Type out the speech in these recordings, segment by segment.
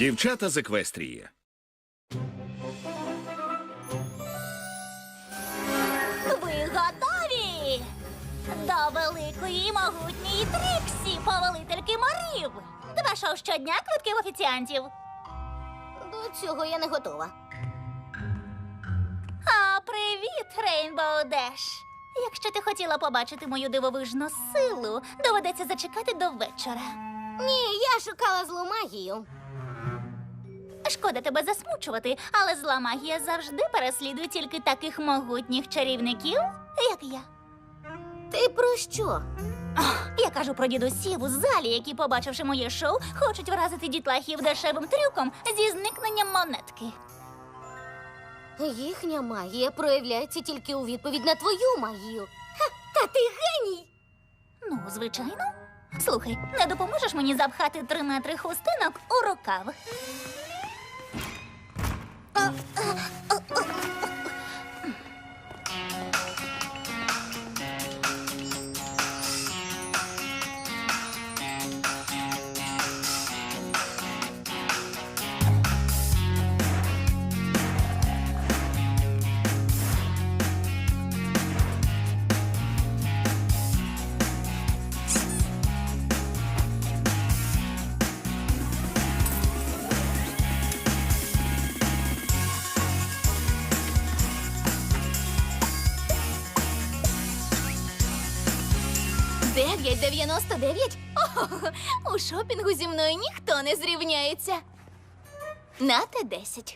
Дівчата з Еквестрії. Ви готові? До великої і могутньої Тріксі, повелительки морів. 2 шоу щодня, квитки в офіціантів. До цього я не готова. А привіт, Рейнбоу Деш. Якщо ти хотіла побачити мою дивовижну силу, доведеться зачекати до вечора. Ні, я шукала злу магію. Шкода тебе засмучувати, але зла магія завжди переслідує тільки таких могутніх чарівників, як я. Ти про що? Я кажу про дідусів у залі, які, побачивши моє шоу, хочуть вразити дітлахів дешевим трюком зі зникненням монетки. Їхня магія проявляється тільки у відповідь на твою магію. Ха, та ти геній! Ну, звичайно. Слухай, не допоможеш мені запхати 3 метри хустинок у рукав? $9,99? У шопінгу зі мною ніхто не зрівняється. Нате 10.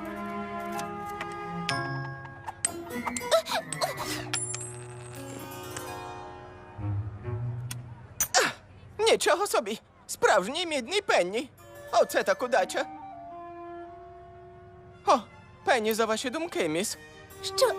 Нічого собі! Справжній мідний Пенні! Оце так удача! О, Пенні за ваші думки, міс. Що?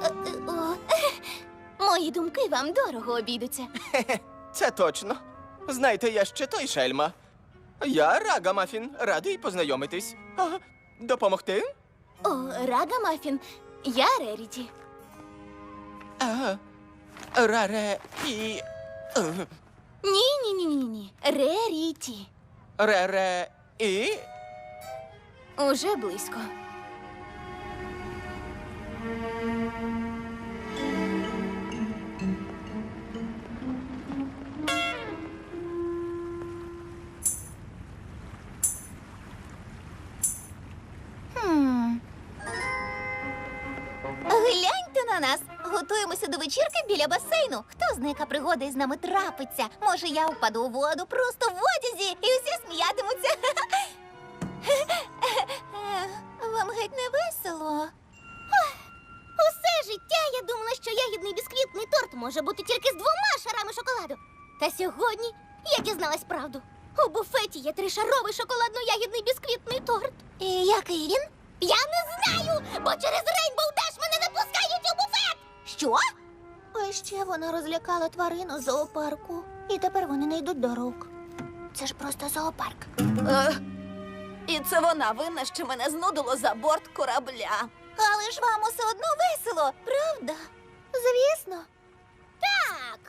Мої думки вам дорого обійдуться. Це точно. Знаєте, я ще той шельма. Я Рагамафін, радий познайомитись. Ага. Допомогти? О, Рагамафін, я Реріті. Ага. Раре і... Ні. Реріті. Рере і... Уже близько. Гляньте на нас. Готуємося до вечірки біля басейну. Хто знає, яка пригода із нами трапиться? Може, я впаду у воду просто в одязі і усі сміятимуться. Вам геть не весело. Усе життя я думала, що ягідний бісквітний торт може бути тільки з 2 шарами шоколаду. Та сьогодні я дізналась правду. У буфеті є 3-шаровий шоколадно-ягідний бісквітний торт. І який він? Я не знаю, бо через Рейнбоу Деш мене не пускають у буфет! Що? А ще вона розлякала тварину з зоопарку. І тепер вони не йдуть до рук. Це ж просто зоопарк. І це вона винна, що мене знудило за борт корабля. Але ж вам усе одно весело, правда? Звісно. Так!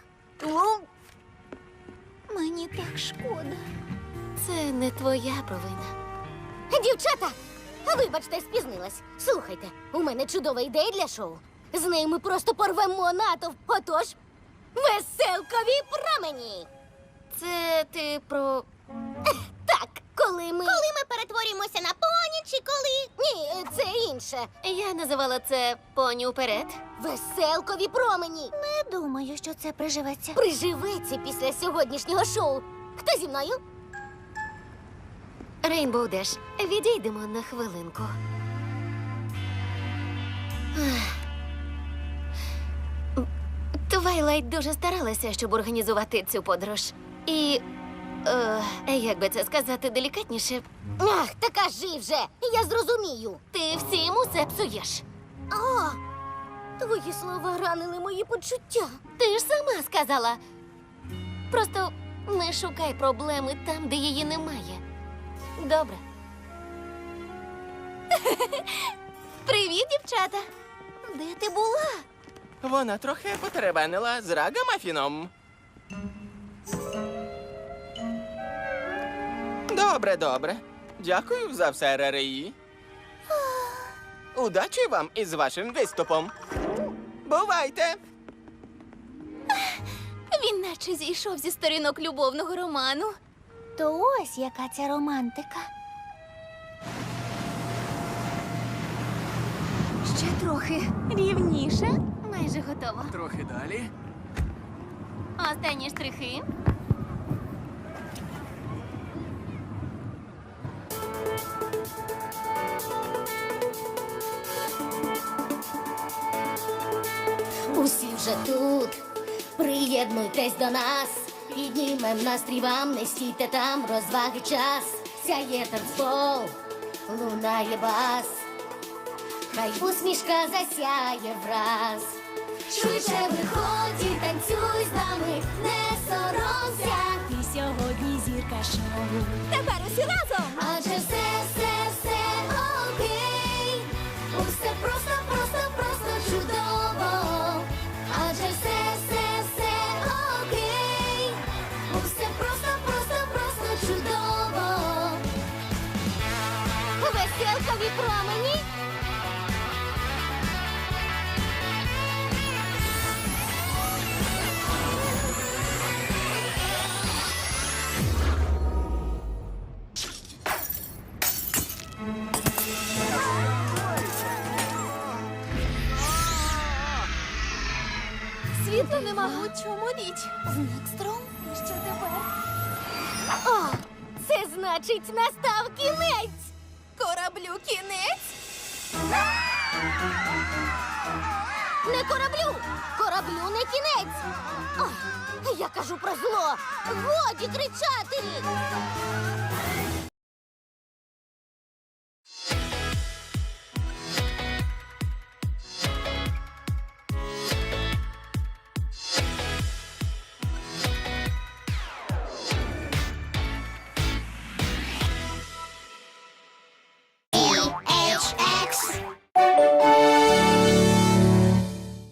Мені так шкода. Це не твоя провина. Дівчата, вибачте, спізнилась. Слухайте, у мене чудова ідея для шоу. З нею ми просто порвемо натовп. Отож, веселкові промені. Це ти про... Так, коли ми перетворюємося на поні, чи коли... Ні, це інше. Я називала це поні уперед. Веселкові промені. Не думаю, що це приживеться. Приживеться після сьогоднішнього шоу. Хто зі мною? Рейнбоу Деш, відійдемо на хвилинку. Твайлайт дуже старалася, щоб організувати цю подорож. І, як би це сказати делікатніше... Ах, та кажи вже, я зрозумію. Ти всім усе псуєш. О, твої слова ранили мої почуття. Ти ж сама сказала. Просто не шукай проблеми там, де її немає. Добре. Привіт, дівчата. Де ти була? Вона трохи потеребенила з Рагамафіном. Добре. Дякую за все, РРІ. Удачі вам із вашим виступом. Бувайте! Він наче зійшов зі сторінок любовного роману. То ось яка ця романтика. Ще трохи рівніше. Майже готово. Трохи далі. Останні штрихи. Усі вже тут, приєднуйтесь до нас, піднімем настрій вам, не стійте там, розваги час, сяє танцпол, лунає бас, хай усмішка засяє враз. Швидше виходь і танцюй з нами, не соромся. Ти сьогодні зірка шоу. Тепер усі разом. Адже все окей. Усе просто чудово. Адже все окей. Усе просто чудово. Веселкові промені. Світла нема. У чому річ? Знак струм? І що тепер? О, це значить настав кінець. Кораблю кінець? Не кораблю! Кораблю не кінець! О, я кажу про зло! Годі кричати!